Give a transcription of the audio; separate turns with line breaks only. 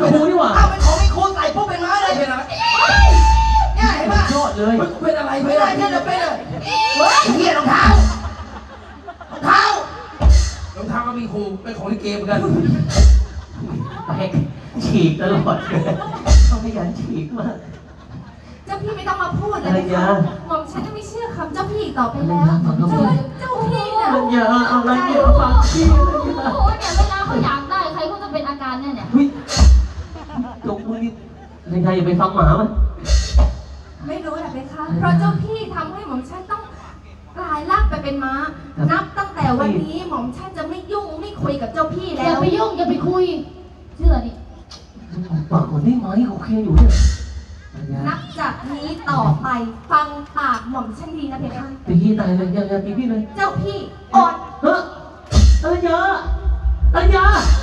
ครูนี่หว่า
เอาเป็นของมีครูใส่ปุ๊บเป็นม้าเลยเป็นอะไรเนี่ยเห็นป่ะ
ยอดเลย
เป็นอะไรเป็นอะไรเนี่ยเป็นอะไรเฮ้ยเหี้ยรองเท้ารองเท้าก็มีครูเป็นของลิเกเหมือนกัน
แปลกฉีกตลอดต้องขยันฉีกมาก
เจ้าพี่ไม่ต้องมาพูดเลยนะคะหม่อมฉันจะไม่เชื่อคำเจ้าพี่ต่อไปแล้วเจ้าพี่เนี่ย
อย่าอะไรอย่าฟังพี่
โอ้โหเนี่ยเวลาเขาอยากได้ใครก็จะเป็นอาการเนี่ย
จงมึงนี่ในไทยอย่าไปฟังหมามัน
ไม่รู้แหละเพคะเพราะเจ้าพี่ทำให้หม่อมฉันต้องกลายร่างไปเป็นม้านับตั้งแต่วันนี้หม่อมฉันจะไม่ยุ่งไม่คุยกับเจ้าพี่แล้ว
อย่าไปยุ่งอย่าไปคุยเชื่อดิ
ปากคนได้ไหมโอเคอยู่เนี่ย
นับจากนี้ต่อไปฟังปากหม่อมฉันดีนะเพคะ
ตีพี่ตายเลยอย่าตีพี่เลย
เจ้าพี่อ่อน
เฮ้ยอรัญญา